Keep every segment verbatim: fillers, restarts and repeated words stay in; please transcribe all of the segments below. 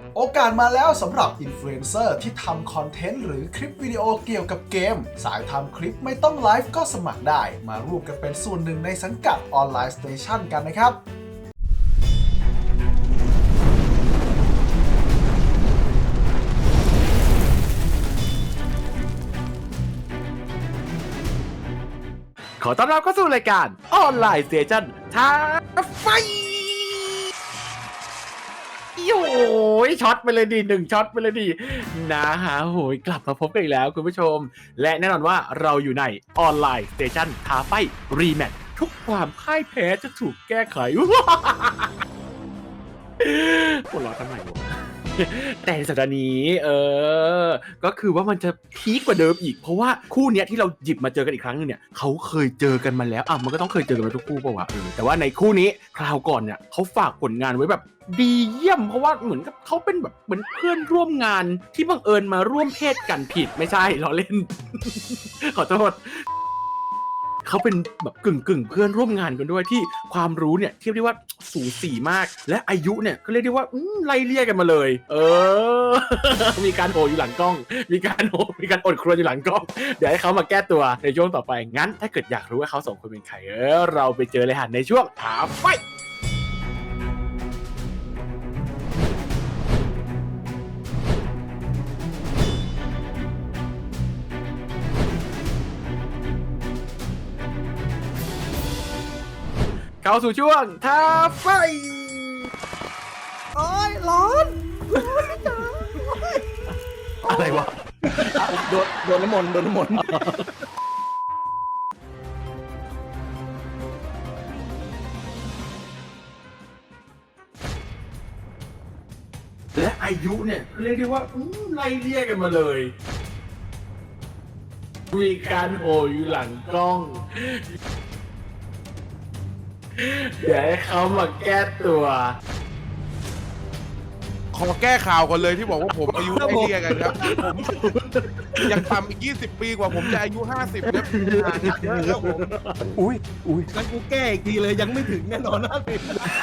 โอกาสมาแล้วสำหรับอินฟลูเอนเซอร์ที่ทำคอนเทนต์หรือคลิปวิดีโอเกี่ยวกับเกมสายทำคลิปไม่ต้องไลฟ์ก็สมัครได้มาร่วมกันเป็นส่วนหนึ่งในสังกัดออนไลน์สเตชันกันนะครับขอต้อนรับเข้าสู่รายการออนไลน์สเตชันท้าไฟโอ้ยช็อตไปเลยดีหนึ่งช็อตไปเลยดีนะฮะโหยกลับมาพบกันอีกแล้วคุณผู้ชมและแน่นอนว่าเราอยู่ในออนไลน์สเตชันท้าไฟรีแมตช์ทุกความพ่ายแพ้จะถูกแก้ไขปวดร้อนทำไมวะแต่สัปดาห์นี้เออก็คือว่ามันจะพีคกว่าเดิมอีกเพราะว่าคู่เนี้ยที่เราหยิบมาเจอกันอีกครั้งนึงเนี่ยเขาเคยเจอกันมาแล้วอ่ะมันก็ต้องเคยเจอกันมาทุกคู่ป่าววะเออแต่ว่าในคู่นี้คราวก่อนเนี่ยเขาฝากผลงานไว้แบบดีเยี่ยมเพราะว่าเหมือนกับเขาเป็นแบบเหมือนเพื่อนร่วมงานที่บังเอิญมาร่วมเพศกันผิดไม่ใช่ล้อเล่น ขอโทษเขาเป็นแบบกึ่งกึ่งเพื่อนร่วมงานกันด้วยที่ความรู้เนี่ยเทียบได้ว่าสูสีมากและอายุเนี่ยก็เรียกได้ว่าไล่เลี่ยกันมาเลยเออ มีการโหอยู่หลังกล้องมีการโหมีการอดครวญอยู่หลังกล้องเดี๋ยวให้เขามาแก้ตัวในช่วงต่อไปงั้นถ้าเกิดอยากรู้ว่าเขาสองคนเป็นใครเออเราไปเจอเลยฮะในช่วงถามไฟเข้าสู่ช่วงท้าไฟโอ้ยร้อนอะไรวะโดนโดนน้ำมนต์โดนน้ำมนต์และอายุเนี่ยเรียกได้ว่าไล่เลี่ยกันมาเลยมีการโหอยู่หลังกล้องเดี๋ยวให้เขามาแก้ตัวขอแก้ข่าวก่อนเลยที่บอกว่าผมอายุไล่เลี่ยกันครับผมยังต่ำอีกยี่สิบปีกว่าผมจะอายุห้าสิบครับเยอะครับผมอุ้ยอุ้ยงั้นกูแก้อีกทีเลยยังไม่ถึงแน่นอนนะพี่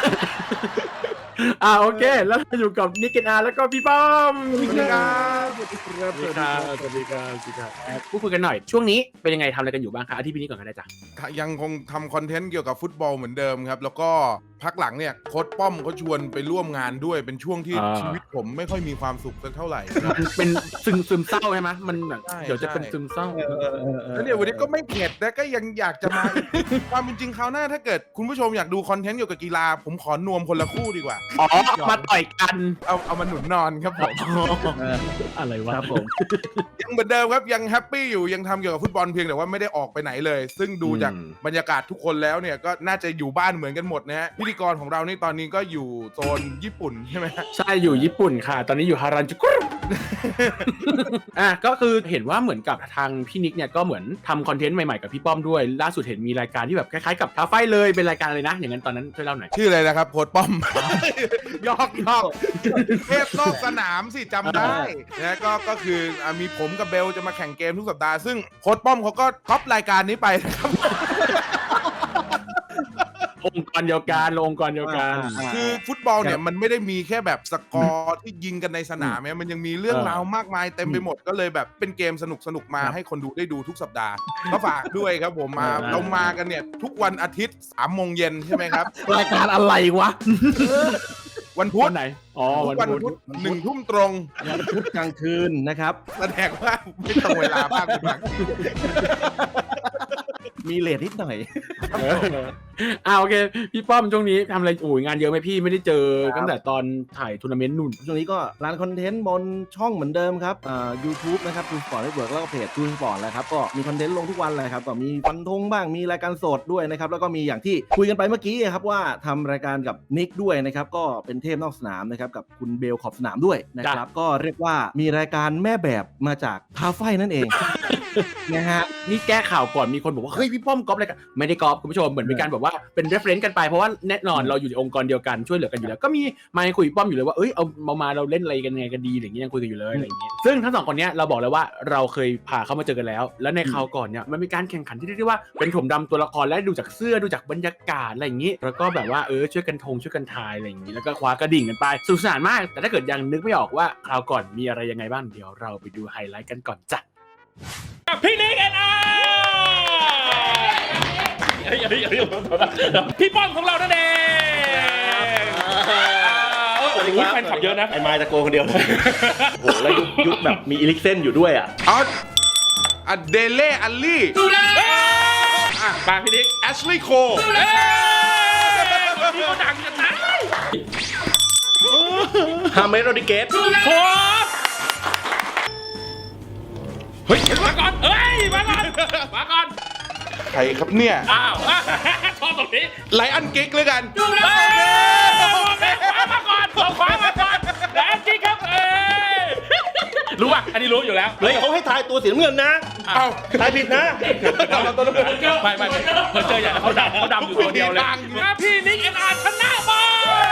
อ่าโอเคแล้วอยู่กับนิกกินอาแล้วก็พี่ป้อมสวัสดีครับสวัสดีครับสวัสดีครับสวัสดีครับสวัสดีครับพูดคุยกันหน่อยช่วงนี้เป็นยังไงทำอะไรกันอยู่บ้างคะอาทิตย์นี้ก่อนกันได้จ้ะยังคงทำคอนเทนต์เกี่ยวกับฟุตบอลเหมือนเดิมครับแล้วก็พักหลังเนี่ยโค้ชป้อมเขาชวนไปร่วมงานด้วยเป็นช่วงที่ชีวิตผมไม่ค่อยมีความสุขสักเท่าไหร่เป็นซึมซึมเศร้าใช่ไหมมันแบบเดี๋ยวจะเป็นซึมเศร้าแล้วเนี่ยวันนี้ก็ไม่เข็ดแต่ก็ยังอยากจะมาความเป็นจริงคราวหน้าถ้าเกิดคุณผู้ชมอยากดูคอนเทนต์เกี่ยวกับกีฬาผมขอนวมคนละคู่ดีกว่าอ๋อมาต่อยกันเอาเอามาหนุนนอนครับผมอะไรวะครับผมยังเหมือนเดิมครับยังแฮปปี้อยู่ยังทำเกี่ยวกับฟุตบอลเพียงแต่ว่าไม่ได้ออกไปไหนเลยซึ่งดูจากบรรยากาศทุกคนแล้วเนี่ยก็น่าจะอยู่บ้านเหมือนกันหมดนะฮะพิธีกรของเรานี่ตอนนี้ก็อยู่โซนญี่ปุ่นใช่ไหมใช่อยู่ญี่ปุ่นค่ะตอนนี้อยู่ฮารันจูกุอ่ะก็คือเห็นว่าเหมือนกับทางพี่นิกเนี่ยก็เหมือนทำคอนเทนต์ใหม่ๆกับพี่ป้อมด้วยล่าสุดเห็นมีรายการที่แบบคล้ายๆกับท้าไฟเลยเป็นรายการเลยนะอย่างนั้นตอนนั้นช่วยเล่าหน่อยชื่ออะไรนะครับโค้ชป้อมยอกยอกเทพนอกสนามสิจำได้นะก็ก็คือมีผมกับเบลจะมาแข่งเกมทุกสัปดาห์ซึ่งโค้ชป้อมเขาก็ท็อปรายการนี้ไปนะครับองค์กรเดียวกันองค์กรเดียวกันคือฟุตบอลเนี่ยมันไม่ได้มีแค่แบบสกอร์ที่ยิงกันในสนามเนี่ยมันยังมีเรื่องราวมากมายเต็มไปหมดก็เลยแบบเป็นเกมสนุกสนุกมาให้คนดูได้ดูทุกสัปดาห์ก็ฝากด้วยครับผมมาเรามากันเนี่ยทุกวันอาทิตย์สามโมงเย็นใช่ไหมครับรายการอะไรวะวันพุธไหนอ๋อวันพุธหนึ่งทุ่มตรงวันพุธกลางคืนนะครับแสดงว่าไม่ตรงเวลาบ้างบางทีมีเลทนิดหน่อยอ่าโอเคพี่ป้อมช่วงนี้ทำอะไรโอ้ยงานเยอะไหมพี่ไม่ได้เจอตั้งแต่ตอนถ่ายทัวร์นาเมนต์นู่นช่วงนี้ก็ร้านคอนเทนต์บนช่องเหมือนเดิมครับอ่า YouTube นะครับ ทู สปอร์ต เน็ตเวิร์ก แล้วก็เพจ ทู สปอร์ต แล้วครับก็มีคอนเทนต์ลงทุกวันเลยครับก็มีฟันธงบ้างมีรายการสดด้วยนะครับแล้วก็มีอย่างที่คุยกันไปเมื่อกี้ครับว่าทำรายการกับนิกด้วยนะครับก็เป็นเทพนอกสนามนะครับกับคุณเบลขอบสนามด้วยนะครับก็เรียกว่ามีรายการแม่แบบมาจากท้าไฟนั่นเองนะฮะนี่แก้ข่าวก่อนมีคนบอกว่าเฮ้ยพี่ป้อมก๊อปอะไรกันไม่ได้ก๊อปคุณผู้ชมเหมือนเป็นการแบบว่าเป็น reference กันไปเพราะว่าแน่นอนเราอยู่ในองค์กรเดียวกันช่วยเหลือกันอยู่แล้วก็มีมาคุยป้อมอยู่เลยว่าเอ้ยเอามามาเราเล่นอะไรกันไงกันดีอะไรอย่างเงี้ยยังคุยกันอยู่เลยอะไรอย่างเงี้ยซึ่งทั้งสองคนเนี้ยเราบอกเลยว่าเราเคยพาเขามาเจอกันแล้วแล้วในคราวก่อนเนี่ยมันมีการแข่งขันที่เรียกได้ว่าเป็นถมดำตัวละครและดูจากเสื้อดูจากบรรยากาศอะไรอย่างงี้แล้วก็แบบว่าเออช่วยกันทงช่วยกันทายอะไรอย่างงี้แล้วก็คว้ากระดิ่งกันไปสนุกสนานมากแต่ถ้าเกิดยังนึกไม่ออกว่าคราวก่อนมีอะไรยังไงบ้างเดี๋ยวเราไปดูไฮไลท์กันก่อนจ้ะพี่นิกเอ็นอาร์พี่ป้อมของเรานั่นเองโอ้โหแฟนคลับเยอะนะไอ้ไม้ตะโกนคนเดียวเลยโอ้โหแล้วยุคยุคแบบมีอีลิกเซนอยู่ด้วยอ่ะเอาอะเดเล่อัลลี่อ่ะมาพี่นิกแอชลีย์โคเอ้ยพี่เขาดังจะตายฮาเมสโรดิเกสโอ้เฮ้ยมาก่อนเฮ้ยมาก่อนมาก่อนใครครับเนี่ยอ้าวชอบตรงนี้ไลอันเก๊กเลยกันดูเลยขวามาก่อนเอาขวามาก่อนแล้วจริงครับเอ้ยรู้ป่ะอันนี้รู้อยู่แล้วเฮ้ยเขาให้ทายตัวสีน้ำเงินนะเอาทายผิดนะเราตัวน้ำเงินไม่ไม่ไม่เขาเจออย่างเขาดำเขาดำอยู่ตัวเดียวเลยนะพี่นิกเอ็นอาร์ชนะบอล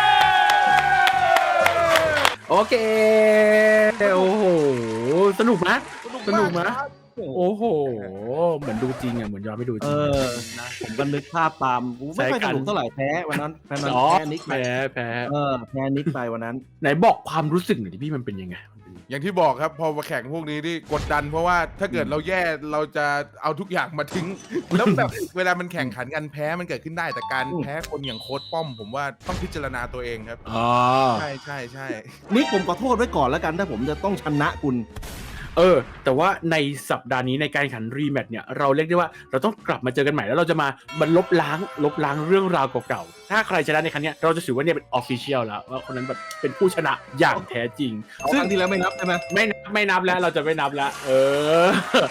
โอเคโอ้โหสนุกนะสนุกนะโอ้โหเหมือนดูจริงอ่ะเหมือนย้อนไปดูจเอริงอนะผมก็นึกภาพตามกูไม่ค่อยสนุกเท่าไหร่แพ้วันนั้นแพ้นั้นอ๋อแพ้นิกไปแพ้แพ้เออแพ้นิกไปวันนั้นไหนบอกความรู้สึกหน่อยดิพี่มันเป็นยังไงอย่างที่บอกครับพอมาแข่งพวกนี้นี่กดดันเพราะว่าถ้าเกิดเราแย่เราจะเอาทุกอย่างมาทิ้ง แล้วแบบเวลามันแข่งขันกันแพ้มันเกิดขึ้นได้แต่การแพ้คนอย่างโค้ชป้อม ผมว่าต้องพิจารณาตัวเองครับอ๋อใช่ใช่ใช่นิกผมขอโทษไว้ก่อนแล้วกันถ้าผมจะต้องชนะคุณเออแต่ว่าในสัปดาห์นี้ในการแข่งขันรีแมตช์เนี่ยเราเรียกได้ว่าเราต้องกลับมาเจอกันใหม่แล้วเราจะมาบรรลบล้างลบล้างเรื่องราวเก่าๆถ้าใครชนะในครั้งนี้เราจะถือว่าเนี่ยเป็นออฟฟิเชียลแล้วว่าคนนั้นแบบเป็นผู้ชนะอย่างแท้จริงเอาซึ่คงรั้งที่แล้วไม่นับใช่ไหมไม่นับไม่นับแล้วเราจะไม่นับแล้วเออ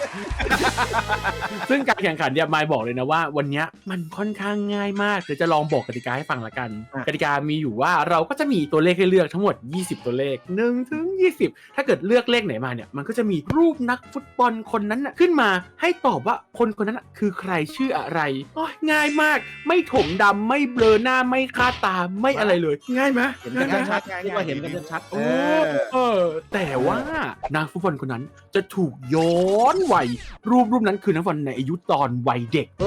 ซึ่งการแข่งขันเนี่ยมายบอกเลยนะว่าวันนี้มันค่อนข้างง่ายมากเดี๋ยวจะลองบอกกติกาให้ฟังละกันกติกามีอยู่ว่าเราก็จะมีตัวเลขให้เลือกทั้งหมดยี่สิบตัวเลขหนึ่งถึงยี่สิบถ้าเกิดเลือกเลขไหนมาเนี่ยมันก็จะมีรูปนักฟุตบอลคนนั้นน่ะขึ้นมาให้ตอบว่าคนคนนั้นน่ะคือใครชื่ออะไรโอ้ยง่ายมากไม่ถมดำไม่เบลอหน้าไม่คาดตาไม่อะไรเลยง่ายไหมเห็นกันชัดๆเรียกว่าเห็นกันชัดๆโอ้เออแต่ว่านางฟุตบอลคนนั้นจะถูกย้อนวัยรูปรูปนั้นคือนักฟุตบอลในอายุตอนวัยเด็ก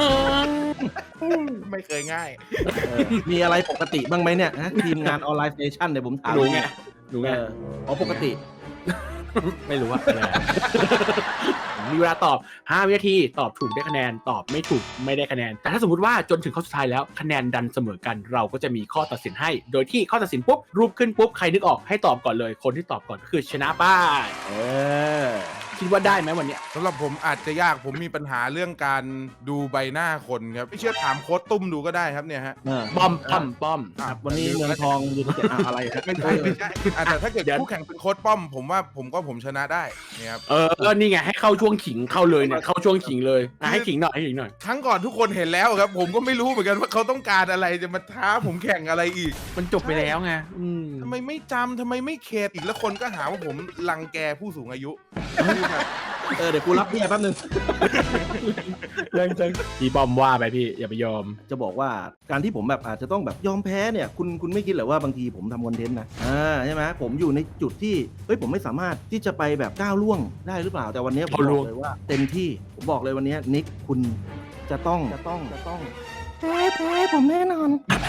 ไม่เคยง่ายเออมีอะไรปกติบ้างไหมเนี่ยฮะทีมงานออนไลน์สเตชันเนี่ยผมถามรู้ไงรู้เอไงออ๋อปกติไม่รู้ว่าอะไร มีเวลาตอบห้าวินาทีตอบถูกได้คะแนนตอบไม่ถูกไม่ได้คะแนนแต่ถ้าสมมติว่าจนถึงข้อสุดท้ายแล้วคะแนนดันเสมอกันเราก็จะมีข้อตัดสินให้โดยที่ข้อตัดสินปุ๊บรูปขึ้นปุ๊บใครนึกออกให้ตอบก่อนเลยคนที่ตอบก่อนก็คือชนะป้าเออคิดว่าได้ไหมวันเนี้ยสำหรับผมอาจจะยากผมมีปัญหาเรื่องการดูใบหน้าคนครับไม่เชื่อถามโค้ชตุ้มดูก็ได้ครับเนี่ยฮะเออป้อมป้อมป้อมครับวันนี้เมืองทองยูไนเต็ดอ่ะอะไรครับไม่ใช่ไม่ใช่อ่ะแต่ถ้าเกิดเดี๋ยวคู่แข่งเป็นโค้ชป้อม ผมว่าผมก็ผมชนะได้เนี่ยครับเออก็นี่ไงให้เข้าช่วงขิงเข้าเลยเนี่ยเข้าช่วงขิงเลยอ่ะให้ขิงหน่อยให้ขิงหน่อยครั้งก่อนทุกคนเห็นแล้วครับ ผมก็ไม่รู้เหมือนกันว่าเขาต้องการอะไรจะมาท้าผมแข่งอะไรอีกมันจบไปแล้วไงอืมทำไมไม่จำทำไมไม่เขตอีกแล้วคนก็หาว่าผมรังแกผู้สูงอายุเออเดี๋ยวกูรับเบี้ยแป๊บนึงยังจังพี่ป้อมว่าไปพี่อย่าไปยอมจะบอกว่าการที่ผมแบบอาจจะต้องแบบยอมแพ้เนี่ยคุณคุณไม่คิดเหรอว่าบางทีผมทำคอนเทนต์นะอ่าใช่ไหมผมอยู่ในจุดที่เฮ้ยผมไม่สามารถที่จะไปแบบก้าวล่วงได้หรือเปล่าแต่วันนี้ผมบอกเลยว่าเต็มที่ผมบอกเลยวันนี้นิกคุณจะต้องจะต้องจะต้องแพ้แพ้ผมแน่นอน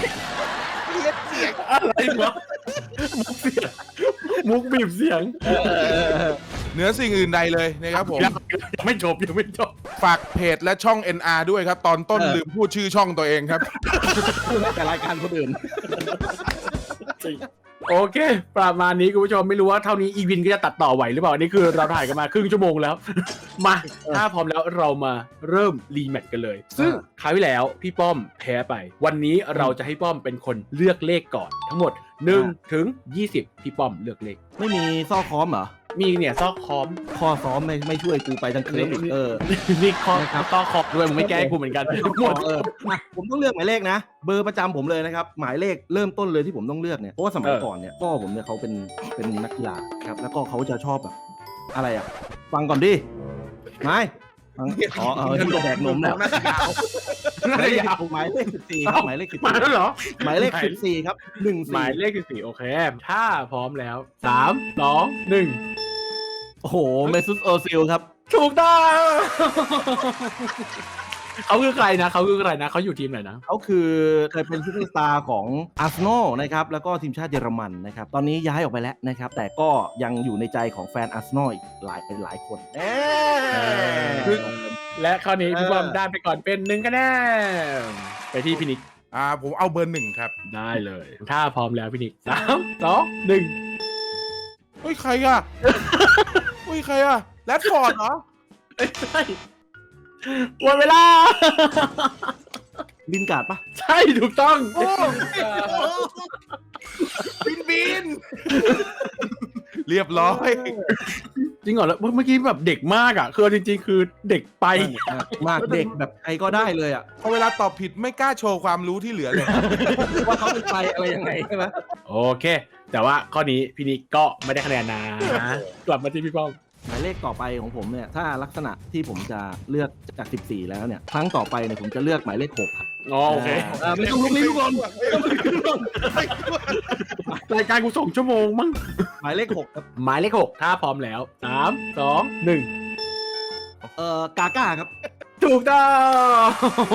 อะไรวะมุกเสียงมุกบีบเสียงเหนือสิ่งอื่นใดเลยนะครับผมยังยังไม่จบยังไม่จบฝากเพจและช่อง เอ็น อาร์ ด้วยครับ ตอนต้นเออลืมพูดชื่อช่องตัวเองครับแต่รายการคนอื่นโอเคประมาณนี้คุณผู้ชมไม่รู้ว่าเท่านี้อีวินก็จะตัดต่อไหวหรือเปล่าอันนี้คือเราถ่ายกันมาครึ่งชั่วโมงแล้ว มาถ้าพร้อมแล้วเรามาเริ่มรีแมตช์กันเลย ซึ่งคราวที่แล้วพี่ป้อมแพ้ไป วันนี้เราจะให้ป้อมเป็นคนเลือกเลขก่อน ทั้งหมดหนึ่งถึงยี่สิบพี่ป้อมเลือกเลขไม่มีซ่อค้อมเหรอมีเนี่ยซอกคอมข้อซ้อมไม่ไม่ช่วยกูไปทั้งคืนอีกเออนี่คอนะครับซอกคอมด้วยมึงไม่แก้ให้กูเหมือนกันหมดเออมาผมต้องเลือกหมายเลขนะ เบอร์ประจำผมเลยนะครับ หมายเลขเริ่มต้นเลยที่ผมต้องเลือกเนี่ยเพราะว่าสมัยก่อนเนี่ยพ่อผมเนี่ยเขาเป็นเป็นนักกีฬาครับแล้วก็เขาจะชอบแบบอะไรอ่ะ ฟังก่อนดิไม่อ๋อเออที่แดกนมแล้วน่าจะยาวหมายเลขหมายเลขสิบสี่ครับหมายเลขสิบมาสี่แล้วเหรอหมายเลขสิบสี่ครับหนึ่งหสี่มายเลขสิบสี่โอเค ถ้าพร้อมแล้วสามสองหนึ่งโอ้โหเมซุสโอซิลครับถูกต้องเขาคือใครนะเขาคือใครนะเขาอยู่ทีมไหนนะเขาคือเคยเป็นซูเปอร์สตาร์ของอาร์เซนอลนะครับแล้วก็ทีมชาติเยอรมันนะครับตอนนี้ย้ายออกไปแล้วนะครับแต่ก็ยังอยู่ในใจของแฟนอาร์เซนอลอีกหลายหลายคนเอ๊ะและข้อนี้พี่บอมได้ไปก่อนเป็นหนึ่งคะแนนไปที่พี่นิกอ่าผมเอาเบอร์หนึ่งครับได้เลย ถ้าพร้อมแล้วพี่นิกสามสองหนึ่งเฮ้ยใครอ่ะ เฮ้ยใครอ่ะแรดฟอร์ดเหรอไม่ใช่หมดเวลาลินการ์ดปะใช่ถูกต้องโอ้บินบินเรียบร้อยจริงเหรอแล้วเมื่อกี้แบบเด็กมากอ่ะคือจริงๆ คือเด็กไปมากเด็กแบบใครก็ได้เลยอ่ะพอเวลาตอบผิดไม่กล้าโชว์ความรู้ที่เหลือเลยว่าเขาเป็นใครอะไรยังไงใช่ไหมโอเค แต่ว่าข้อนี้พี่นิกก็ไม่ได้คะแนนนะกลับมาที่พี่ป้อมหมายเลขต่อไปของผมเนี่ยถ้าลักษณะที่ผมจะเลือกจากสิบสี่แล้วเนี่ยครั้งต่อไปเนี่ยผมจะเลือกหมายเลขหกครับอ๋อโอเคอ่าไม่ต้องลุกลี้ลุกลนรายการกูส่งชั่วโมงมั้งหมายเลขหกครับหมายเลขหกถ้าพร้อมแล้วสามสองหนึ่งเอ่อกาก้าครับถูกต้อง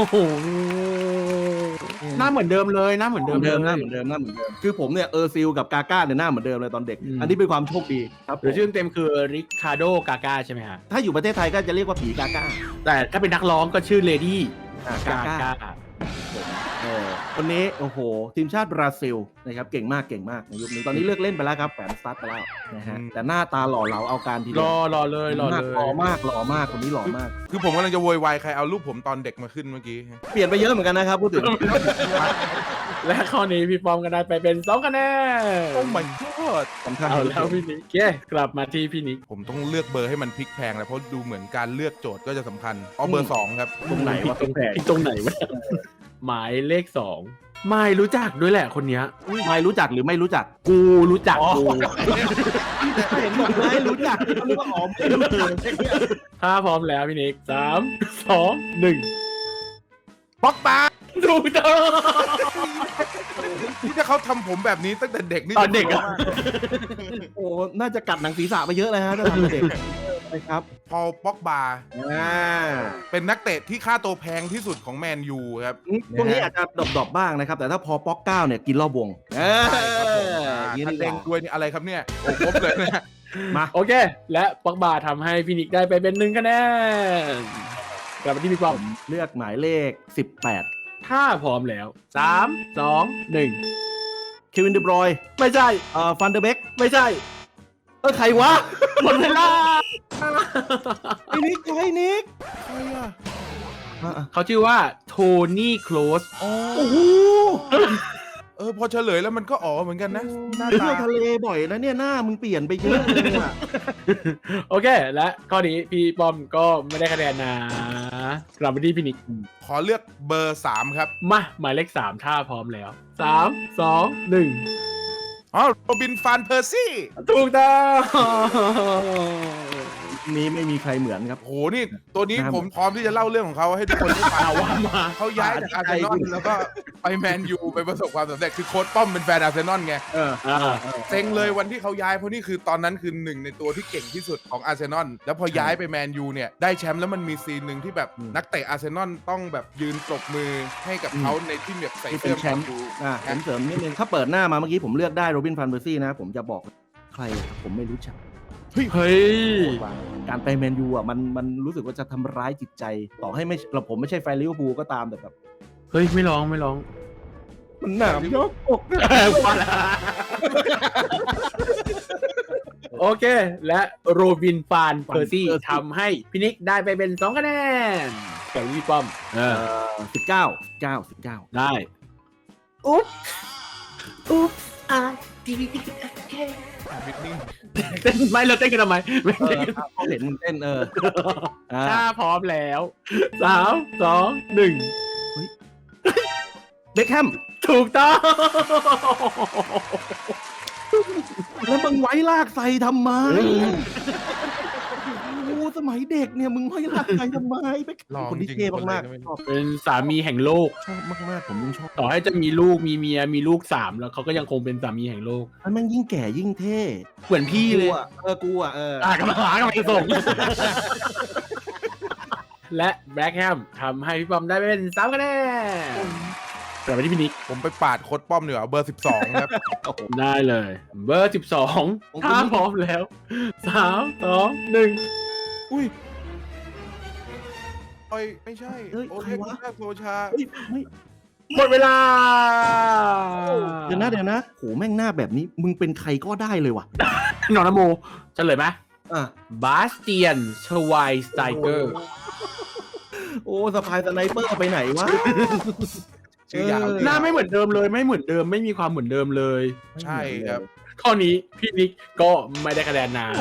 หน้าเหมือนเดิมเลยหน้าเหมือนเหเดิมืมอนเดิมหลน้าย เหมือนเดิมหน้าเหมือนเดิมคือผมเนี่ยเออร์ซิลกับกาก้าเนี่ยหน้าเหมือนเดิมเลยตอนเด็กอืมอันนี้เป็นความโชคดีครับหรือชื่อเต็มคือริคาโดกาก้าใช่ไหมฮะถ้าอยู่ประเทศไทยก็จะเรียกว่าผีกาก้าแต่ถ้าเป็นนักร้องก็ชื่อเลดี้อ่ากากาก้าก้าเออคนนี้โอ้โหทีมชาติบราซิลนะครับเก่งมากเก่งมากในยุคนี้ตอนนี้เลิกเล่นไปแล้วครับแฝนสตาร์ทไปแล้วนะฮะอืมแต่หน้าตาหล่อเหลาเอาการทีเดีรยวอรอเลยรอมากเลยหล่อมากหล่อมากคนนี้หล่อมากคือผมกำลังจะโวยวายใครเอารูปผมตอนเด็กมาขึ้นเมื่อกี้เปลี่ยนไปเยอะเหมือนกันนะครับพูดถึงและข้อนี้พี่ปอมก็ได้ไปเป็นสองคะแนนโอ้ my god สำคัญเอาแล้วพี่นิกเย้กลับมาที่พี่นิกผมต้องเลือกเบอร์ให้มันพลิกแพลงแล้วเพราะดูเหมือนการเลือกโจทย์ก็จะสำคัญเอาเบอร์สองครับตรงไหนวะตรงแผงตรงไหนวะหมายเลขสองไม่รู้จักด้วยแหละคนเนี้ยไม่รู้จักหรือไม่รู้จักกูรู้จักกูเห็นบอกไม่รู้จักก็นึกว่าอ๋อไม่รู้จักถ้าพร้อมแล้วพี่นิกสามสองหนึ่งป๊อกปาถูกต้องที่ถ้าเขาทำผมแบบนี้ตั้งแต่เด็กนี่ตอนเด็กอะโอ้น่าจะกัดหนังศีรษะไปเยอะเลยฮะถ้าทำเด็กนะครับพอลป๊อกบาอ่าเป็นนักเตะที่ค่าตัวแพงที่สุดของแมนยูครับพวกนี้อาจจะดรอปๆบ้างนะครับ แต่ถ้าพอป๊อกเก้าเนี่ยกินรอบวงเออใช่ครับผมอย่างนี้ท่านดีเด้งกว่าด้วยนี่อะไรครับเนี่ยโอ้ครบเลยนะมาโอเค และปอกบาทำให้พี่นิกได้ไปเป็นหนึ่งคะแนนกลับมาที่พี่ปอมเลือกหมายเลขสิบแปดถ้าพร้อมแล้วสามสองหนึ่งเควินเดบรอยไม่ใช่เอ่อฟันเดอร์เบกไม่ใช่เออใครวะหมดเวลาไอ้นิกไอ้นิกใครอ่ะอ่ะเขาชื่อว่าโทนี่โคลสอ๋อโอ้โหเออพอเฉลยแล้วมันก็อ๋อเหมือนกันนะหน้าเที่ตายวทะเลบ่อยนะเนี่ยหน้ามึงเปลี่ยนไปเยอะเลยอะโอเค และข้อนี้พี่ปอมก็ไม่ได้คะแนนนะกลับมาที่พี่นิกขอเลือกเบอร์สามครับมาหมายเลขสามถ้าพร้อมแล้วสามสองหนึ่งอ๋อโรบินฟานเพอร์ซี่ถูกต้องนี้ไม่มีใครเหมือนครับโหนี่ตัวนี้ครับผมพร้อมที่จะเล่าเรื่องของเขาให้ทุกคนได้ฟังเอาว่ามาเขาย้ายจากอาร์เซนอลแล้วก็ไปแมนยูไปประสบความสำเร็จคือโค้ชป้อมเป็นแฟนอาร์เซนอลไงเอออ่าเซ็งเลยวันที่เขาย้ายเพราะนี่คือตอนนั้นคือหนึ่งในตัวที่เก่งที่สุดของอาร์เซนอลแล้วพอย้ายไปแมนยูเนี่ยได้แชมป์แล้วมันมีซีนหนึ่งที่แบบนักเตะอาร์เซนอลต้องแบบยืนปรบมือให้กับเขาในที่แบบใส่นี่เสื้เป็อนแชแมมนป์ยูอ่ะผมเสริมนิดนึงถ้าเปิดหน้ามาเมื่อกี้ผมเลือกได้โรบินฟันเบอร์ซี่นะ ผมจะบอกใครครับผมไม่รู้จักเฮ้ยการไปแมนยูอ่ะมันมันรู้สึกว่าจะทำร้ายจิตใจ ต่อให้ไม่เราผมไม่ใช่แฟนลิเวอร์พูลก็ตามแต่แบบเฮ้ย ไม่ร้องไม่ร้องมันหนามยกอกนะพอละโอเค และโรบินฟานเพอร์ซี่ทำให้พี่นิกได้ไปเป็นสองคะแนนกับพี่ป้อมเออสิบเก้าเก้าสิบเก้าได้อุ๊บอุ๊บอ่ะดีดีบิดนิ่งเต้นไม่เราเต้นกันทำไมไม่เอเต้อนกันเขาเห็นมึงเต้นเอออ่าถ้าพร้อมแล้วสามสองหนึ่งเบคแฮมถูกต้องแล้วมึงไว้ลากใส่ทำไมโอ้โหสมัยเด็กเนี่ยมึงไม่รักใครทำไมเป็นลองคนที่จริงเท่คนเลยมากก็ไม่รู้ๆชอบเป็นสามีแห่งโลกชอบมากๆผมยิ่งชอบต่อให้จะมีลูกมีเมียมีลูกสามแล้วเขาก็ยังคงเป็นสามีแห่งโลกมันแม่งยิ่งแก่ยิ่งเท่เหมือนพี่เลยกูอะเออกูอ่ะเอออ่ะกำลังหากำลังจะส่ง และแบล็กแฮมทำให้พี่ปอมได้เป็นสามคะแนนกลับไปที่พี่นิกผมไปปาดโค้ดป้อมดีกว่าเบอร์สิบสองครับได้เลย เบอร์สิบสองถ้าพร้อมแล้วสามสองหนึ่งอุ้ยโอ้ยไม่ใช่เฮ้ยโอใคเครวะคุณโซชาเฮ้ยไม่หมดเวลาเดี๋ยวนะเดี๋ยวนะโหแม่งหน้าแบบนี้มึงเป็นใครก็ได้เลยว่ะหนอนนโมเฉลยไหมอ่ะบาสเตียนชวายสไตเกอร์โอ้สปายสไนเปอร์ไปไหนวะชื่อยาวเออหน้าไม่เหมือนเดิมเลยไม่เหมือนเดิมไม่มีความเหมือนเดิมเลยใช่ครับข้อนี้พี่นิกก็ไม่ได้คะแนนนะ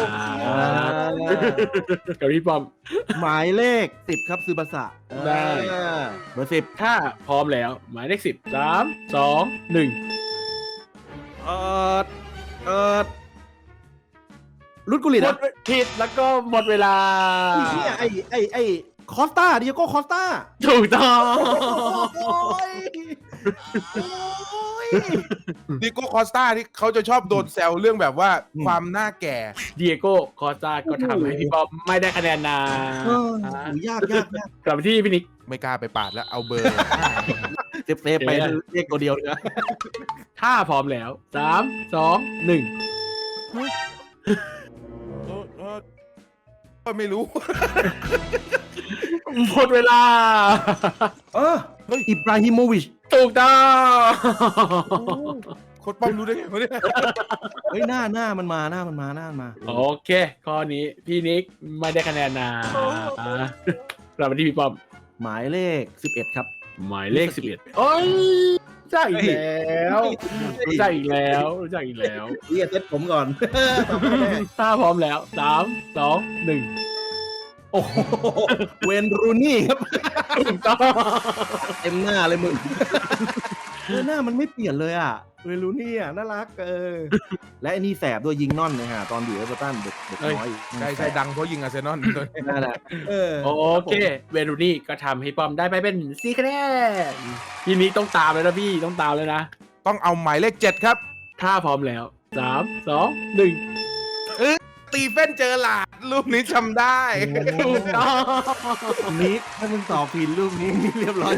กับพี่ปอมหมายเลขสิบครับซูบาสะได้อ่าเบอร์สิบถ้าพร้อมแล้ว หมายเลขสิบสามสองหนึ่งเออเออรุดกุลิตหมอ่ะดผิดแล้วก็หมดเวลาไอ้เหี้ยไอ้ไอ้ไอ้คอสตาดิโก้คอสตาถูกต้องโอ้ยโอ้ยดิโก้คอสตาที่เขาจะชอบโดนแซวเรื่องแบบว่าอืมความหน้าแก่เดียโก้คอสตาก็ทำให้พี่ปอมไม่ได้คะแนนนะเออโหยากยากยากกลับไปที่พี่นิกไม่กล้าไปปาดแล้วเอาเบอร์เซฟเซฟไปเลขตัวเดียวเลยนะถ้าพร้อมแล้วสามสองหนึ่งเออเออเออไม่รู้หมดเวลาเอออิบราฮิโมวิชถูกต้องโค้ดป้อมรู้ได้ไงวะเนี่ยเฮ้ยหน้าหน้ามันมาหน้ามันมาหน้ามันมาโอเค ข้อนี้พี่นิกไม่ได้คะแนนนะกลับมาที่พี่ปอมหมายเลขสิบเอ็ดครับหมายเลขสิบเอ็ดโอ้ยรู้จักอีกแล้วรู้จักอีกแล้วรู้จักอีกแล้วเรียกเซตผมก่อนถ้าพร้อมแล้วสามสองหนึ่งโอ้โหเวนรูนี่ครับถูกต้องเต็มหน้าเลยมึงเออหน้ามันไม่เปลี่ยนเลยอ่ะเวนรูนี่อ่ะน่ารักเออและไอ้นี่แสบด้วยยิงน่อนเลยฮะตอนอยู่เอเวอร์ตันเด็กเด็กน้อยใช่ใช่ดังเพราะยิงอาร์เซนอลตัวนี้นั่นแหละเออโอเค เวรูนี่ก็ทำให้ปอมได้ไปเป็นสี่คะแนนพี่นิกต้องตามเลยนะพี่ต้องตามเลยนะต้องเอาหมายเลขเจ็ดครับถ้าพร้อมแล้วสามสองหนึ่งสตีเฟนเจอร์ลาร์ดรูปนี้จำได้ถูกต้องนิกถ้ามึงตอบผิดรูปนี้นี่เรียบร้อย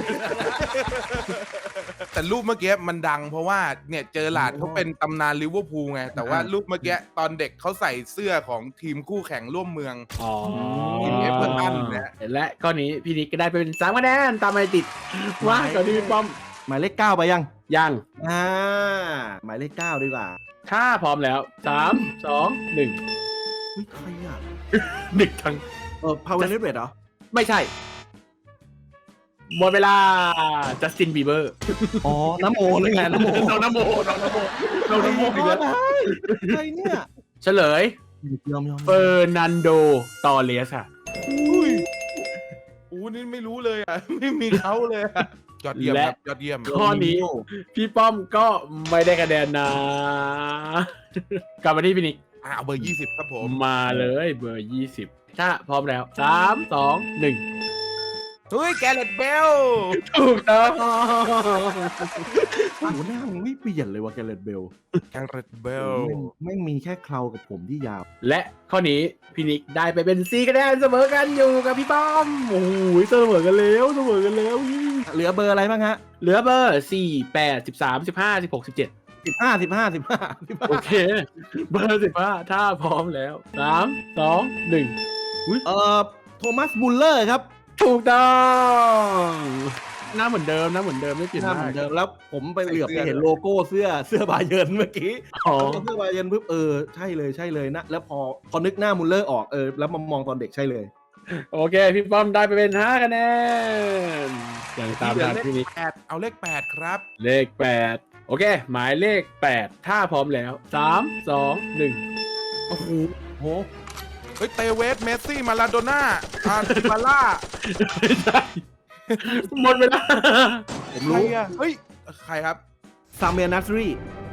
แต่รูปเมื่อกี้มันดังเพราะว่าเนี่ยเจอร์ลาร์ดเขาเป็นตำนานลิเวอร์พูลไง แต่ว่ารูปเมื่อกี้ตอนเด็กเขาใส่เสื้อของทีมคู่แข่งร่วมเมืองอ๋อทีมเอฟเวอร์ตันนะและข้อนี้พี่นิกก็ได้ไปเป็นสามคะแนนตามมาติดว่าก่อนที่พี่ป้อมหมายเลขเก้าไปยังยังอ่าหมายเลขเก้าดีกว่าถ้าพร้อมแล้วสามสองหนึ่งเฮ้ยใครอ่ะหนึ่งทั้งเออพาวเวอร์เลเวทเหรอไม่ใช่ หมดเวลาจัสตินบีเบอร์อ๋อน้ำโมเลยไงน้ำโมน้องนโมน้องนโมน้องนโมอีกแล้วใครเนี่ยเฉลยยอมยอมเฟอร์นันโดตอเลสค่ะอุ้ยอู้นี่ไม่รู้เลยอ่ะ ไม่มีเขาเลยอะยอดเยี่ยมครับยอดเยี่ยมข้อนี้ พี่ป้อมก็ไม่ได้คะแนนนะ กลับมาที่พี่นิกอ่าเอาเบอร์ยี่สิบครับผมมาเลยเบอร์ยี่สิบถ้าพร้อมแล้วสามสองหนึ่งเฮ้ยแกเรตเบลถูกต้องโอ้โหหน้ามึงไม่เปลี่ยนเลยว่ะแกเรตเบลแกเรตเบลไม่งมีแค่เครากับผมที่ยาวและข้อนี้พี่นิกได้ไปเป็นสี่คะแนนเสมอกันอยู่กับพี่ป้อมโอ้ยเสมอกันแล้วเสมอกันแล้วเหลือเบอร์อะไรบ้างฮะเหลือเบอร์สี่แปดสิบสามสิบห้าสิบหกสิบเจ็ดสิบห้าสิบห้าสิบห้าสิบห้าโอเค เบอร์สิบห้าถ้าพร้อมแล้วสามสองหนึ่งเอ่อโทมัสมุลเลอร์ครับถูกต้องหน้าเหมือนเดิมนะเหมือนเดิมไม่เปลี่ยนหน้าหเหมืน้าอนเดิมแล้วผมไปเหลือบไปเห็นโลโก้เสื้อเสื้อบาเยิร์นเมื่อกี้อ๋อเสื้อบาเยิร์นปุ๊บเออใช่เลยใช่เลยนะแล้วพอพอนึกหน้ามุลเลอร์ออกเออแล้วมามองตอนเด็กใช่เลยโอเค พี่ป้อมได้ไปเป็นห้าคะแนนอย่างตามทันพี่นิกแปดเอาเลขแปดครับเลขแปดโอเค หมายเลขแปดถ้าพร้อมแล้วสามสองหนึ่งโอ้โหโหเฮ้ยเตเวสเมสซี่มาลาโดน่าอาร์ติบาล่าไม่ใช่หมดเวลาผมใครรู้อ่ะเฮ้ย ใครครับซามเมียนัสรี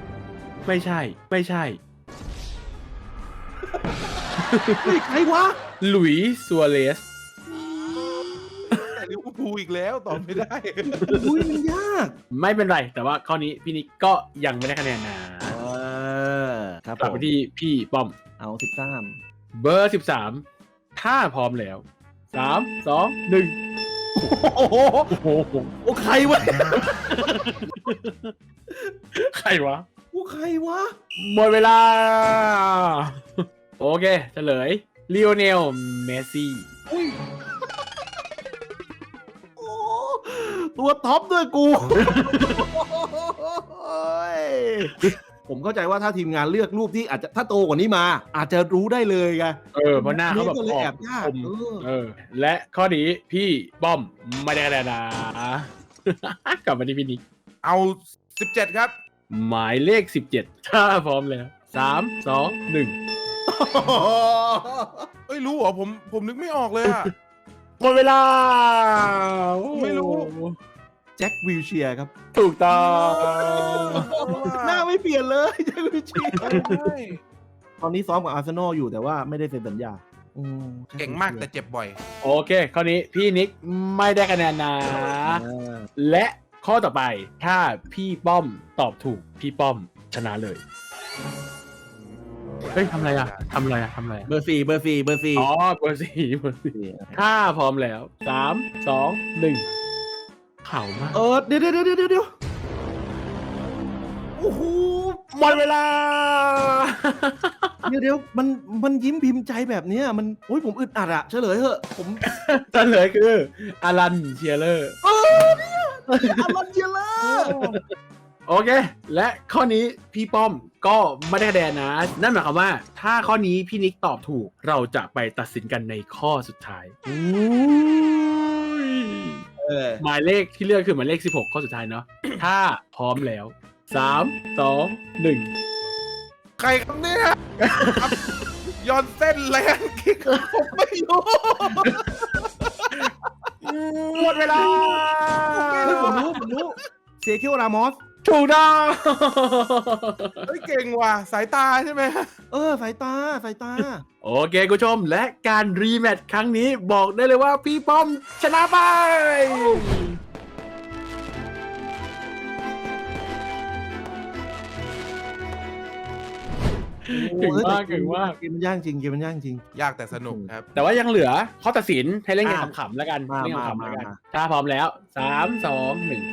ไม่ใช่ ไม่ใช่เฮ้ยใครวะหลุยส์ซัวเรสแต่ลิเวอร์พูลอีกแล้วตอบไม่ได้อุ้ยมันยากไม่เป็นไร แต่ว่าข้อนี้พี่นิกก็ยังไม่ได้คะแนนนะเออครับกลับผไปมที่พี่ป้อมเอาสิบสามเบอร์สิบสามถ้าพร้อมแล้วสามสองหนึ่งโอ้โหโอ้โหโอ้ใครวะใครวะโอ้ใครวะหมดเวลา โอเคเฉลยลีโอเนลเมสซี่โอ้ตัวท็อปด้วยกูโอ้ยผมเข้าใจว่าถ้าทีมงานเลือกรูปที่อาจจะถ้าโตกว่านี้มา อาจจะรู้ได้เลยไงเออเพราะหน้าเขาแบบก็เลยอแออกบยากคมเออเออ และข้อนี้พี่ป้อมไม่ได้คะแนนนะ กลับมาที่พี่นิกเอาสิบเจ็ดครับหมายเลขสิบเจ็ดถ้าพร้อมแล้วสามสองหนึ่งเอ้ยรู้เหรอผมผมนึกไม่ออกเลยอะหมดเวลาไม่รู้แจ็ควิลเชียร์ครับถูกต้องหน้าไม่เปลี่ยนเลยแจ็ควิลเชียร์ตอนนี้ซ้อมกับอาร์เซนอลอยู่แต่ว่าไม่ได้เซ็นสัญญาอืมเก่งมากแต่เจ็บบ่อยโอเค ข้อนี้พี่นิกไม่ได้คะแนนนะอ่าและข้อต่อไปถ้าพี่ป้อมตอบถูกพี่ป้อมชนะเลย เฮ้ยทำอะไรอ่ะทำอะไรอ่ะทำอะไรอ่ะเบอร์สี่เบอร์สี่เบอร์สี่อ๋อเบอร์สี่เบอร์สี่ถ้าพร้อมแล้วสามสองหนึ่งเข่ามากเออเดี๋ยวเดี๋ยวเดี๋ยวเดี๋ยวเดี๋ยวโอ้โหหมดเวลาเดี๋ยวเดี๋ยวมันมันยิ้มพิมพ์ใจแบบเนี้ยมันโอ้ยผมอึดอัดอะเฉลยเถอะผมเฉลยคืออารันเชียร์เลอร์เออเนี่ยอารอนเจเลอร์โอเค และข้อนี้พี่ป้อมก็ไม่ได้คะแนนนะ นั่นหมายความว่า ถ้าข้อนี้พี่นิกตอบถูก เราจะไปตัดสินกันในข้อสุดท้ายเออหมายเลขที่เลือกคือหมายเลขสิบหกข้อสุดท้ายเนาะ ถ้าพร้อมแล้วสามสองหนึ่งใครครับเนี่ยย้อนเส้นแรงคิกผมไม่รู้หมดเวลาเฮ้ยผมรู้ผมรู้เซคิโอรามอสถูกต้องเฮ้ยเก่งว่ะสายตาใช่ไหมเออสายตาสายตาโอเคคุณผู้ชมและการรีแมตช์ครั้งนี้บอกได้เลยว่าพี่ป้อมชนะไป เก่งมากเก่งมากเกมมันยากจริงเกมมันยากจริงยากแต่สนุกครับแต่ว่ายังเหลือข้อตัดสินให้เล่นกันอ่ะขำๆแล้วกันมาเล่นกันมาขำๆแล้วกันมาถ้าพร้อมแล้วสามสองหนึ่ง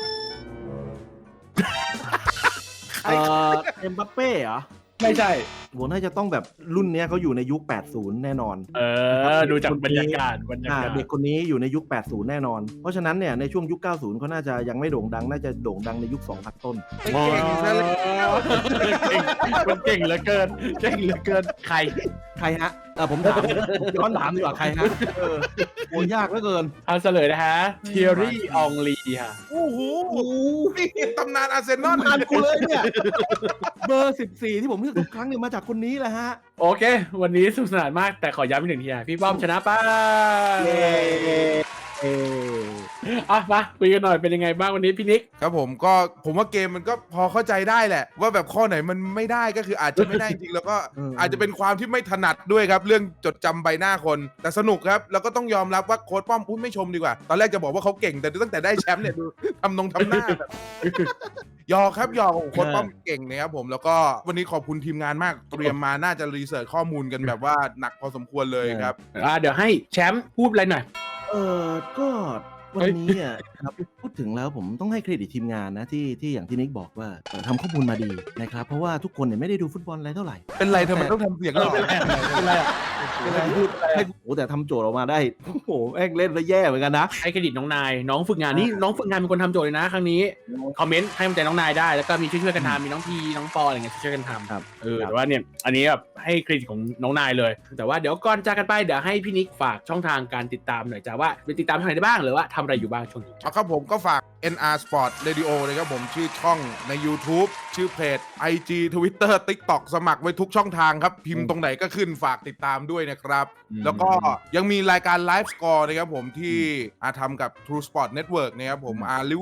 เอ่อเอ็มบัปเป้เหรอไม่ใช่ผมน่าจะต้องแบบรุ่นเนี้ยเขาอยู่ในยุค แปดสิบ แน่นอนเออ ดูจากบรรยากาศบรรยาอ่ากาศเด็กคนนี้อยู่ในยุค แปดสิบ แน่นอน เพราะฉะนั้นเนี่ยในช่วงยุค เก้าสิบเขาน่าจะยังไม่โด่งดัง น่าจะโด่งดังในยุค สองพัน ต้นเก่งซะแล้วเก่งมันเก่งเหลือเกินเก่งเหลือเกินใครใครฮะเออผมถามผมย้อนถามดีกว่าใครฮะเออโหยากเหลือเกินเอาเฉลยนะฮะเทียรี่อองลีค่ะโอ้โหนี่ตำนานอาร์เซนอลอ่านกูเลยเนี่ย เบอร์สิบสี่ที่ผมเลือกทุกครั้งเนี่ยมาจากคนนี้แหละฮะโอเค วันนี้สนุกสนานมากแต่ขอย้ำอีกหนึ่งทีนะพี่ป้อมชนะไป้าเย้เอออ่ะมาคุยกันหน่อยเป็นยังไงบ้างวันนี้พี่นิกครับผมก็ผมว่าเกมมันก็พอเข้าใจได้แหละ ว่าแบบข้อไหนมันไม่ได้ก็คืออาจจะไม่ได้จริงแล้วก็อาจจะเป็นความที่ไม่ถนัดด้วยครับ เรื่องจดจำใบหน้าคนแต่สนุกครับ แล้วก็ต้องยอมรับว่าโค้ชป้อมพูดไม่ชมดีกว่า ตอนแรกจะบอกว่าเขาเก่งแต่ตั้งแต่ได้แชมป์เนี่ยดูทำนงทำหน้าแบบยอครับยอโค้ชป้อมเก่งนะครับผมแล้วก็วันนี้ขอบคุณทีมงานมากเตรียมมาน่าจะรีเสิร์ชข้อมูลกันแบบว่าหนักพอสมควรเลยครับอ่าเดี๋ยวให้แชมป์พูดอะไรหน่อยเออก็วันนี้อ่ะครับพูดถึงแล้วผมต้องให้เครดิตทีมงานนะที่ที่อย่างที่นิกบอกว่าเอ่อทำข้อมูลมาดีนะครับเพราะว่าทุกคนเนี่ยไม่ได้ดูฟุตบอลอะไรเท่าไหร่เป็นไรทำไมต้องทำเสียงหล่อเป็นไรอ่ะพูดให้โอ้แต่ทำโจทย์ออกมาได้โอ้โหแม่งเล่นแล้วแย่เหมือนกันนะให้เครดิตน้องนาย น้องฝึกงานนี่น้องฝึกงานเป็นคนทำโจทย์เลยนะครั้งนี้คอมเมนต์ให้กำลังใจน้องนายได้แล้วก็มีช่วยๆกันทำมีน้องพีน้องปออะไรเงี้ยช่วยๆกันทำครับเออแต่ว่าเนี่ยอันนี้แบบให้เครดิตของน้องนายเลย แต่ว่าเดี๋ยวก่อนจากกันไปเดี๋ยวให้พี่นิกฝากช่องทางการติดตามหน่อยจ้าว่าไปติดตามทางไหนได้บ้างหรือว่าทำอะไรอยู่บ้างช่วงนี้เอาครับผมก็ฝาก เอ็น อาร์ Sport Radio เลยครับผมชื่อช่องใน YouTube ชื่อเพจ ไอ จี Twitter TikTok สมัครไว้ทุกช่องทางครับ พิมพ์ตรงไหนก็ขึ้นฝากติดตามด้วยนะครับอืมแล้วก็ยังมีรายการไลฟ์สกอร์นะครับผมที่อาทำกับ True Sport Network นะครับผมอาลิเวอร์พูล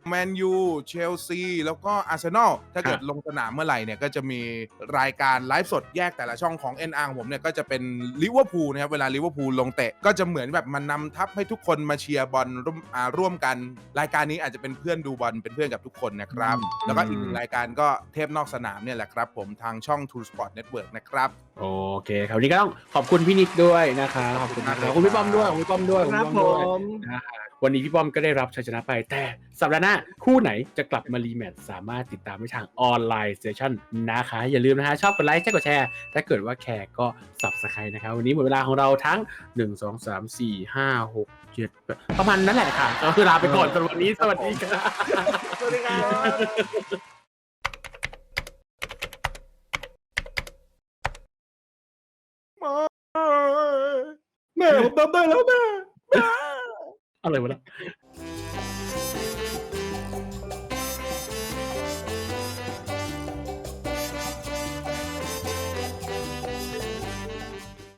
แมนยูเชลซีแล้วก็อาร์เซนอลถ้าเกิดลงสนามเมื่อไหร่เนี่ยก็จะมีรายการไลฟ์สดแยกแต่ละช่องของ เอ็น อาร์ ของผมเนี่ยก็จะเป็นลิเวอร์พูลนะครับเวลาลิเวอร์พูลลงเตะก็จะเหมือนแบบมันนำทัพให้ทุกคนมาเชียร์บอลร่วมอ่าร่วมกันรายการนี้อาจจะเป็นเพื่อนดูบอลเป็นเพื่อนกับทุกคนนะครับแล้วก็อีกหนึ่งรายการก็เทปนอกสนามเนี่ยแหละครับผมทางช่อง True Sport Network นะครับโอเคครับวันนี้ก็ต้องขอบคุณพี่นิกด้วยนะคะขอบคุณนะครับขอบคุณพี่ป้อมด้วยขอบคุณพี่ป้อมด้วยครับขอณผพี่ป้อมด้วยมนะฮะวันนี้พี่ป้อมก็ได้รับชัยชนะไปแต่สัปดาห์หน้าคู่ไหนจะกลับมารีแมตช์สามารถติดตามได้ทางออนไลน์สเตชันนะคะอย่าลืมนะฮะชอบกดไลค์แชร์กดแชร์ถ้าเกิดว่าแคร์ก็ Subscribe นะครับวันนี้หมดเวลาของเราทั้งหนึ่ง สอง สาม สี่ ห้า หก เจ็ดประมาณนั้นแหละค่ะก็คือลาไปก่อนสำหรับวันนี้สวัสดีครับสวัสดีครับแม่ผมทำได้แล้วแม่อะไรวะเนี่ย